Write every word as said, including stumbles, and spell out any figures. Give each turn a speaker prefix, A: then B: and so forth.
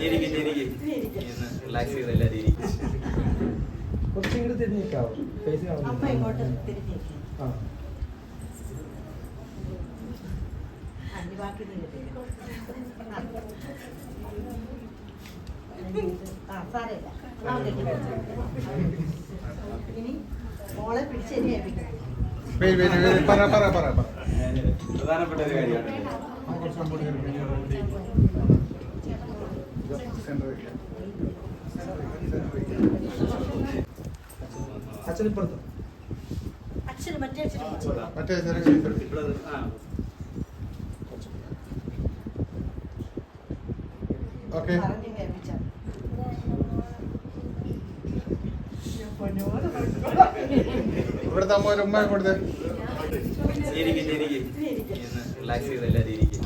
A: റിലാക്സ് ചെയ്ത് എല്ലാവരും ഇരിക്കും.
B: കുറച്ചും കൂടി തിരിഞ്ഞേക്കാവോ? ഫേസ്
C: അമ്മ ഇങ്ങോട്ട് തിരിഞ്ഞേക്ക്.
B: ആ
C: അഞ്ച് ബാക്കി നീങ്ങട്ടെ. ആ സാരമില്ല. ഇനി മോളെ പിടിച്ച് ശരിയായിപ്പിക്കണം.
A: പ്രധാനപ്പെട്ട ഒരു കാര്യമാണ്.
B: അച്ഛനിപ്പുറത്ത്
C: അച്ഛന് മറ്റേ അച്ഛന്
D: മറ്റേ ഓക്കെ
C: പറഞ്ഞു കേൾപ്പിച്ച
D: ഇവിടുത്തെ അമ്മ ഒരു ഉമ്മ കൊടുത്തേ.
A: ഇരിക്കും ഇരിക്കും റിലാക്സ് ചെയ്ത് എല്ലാവരും ഇരിക്കും.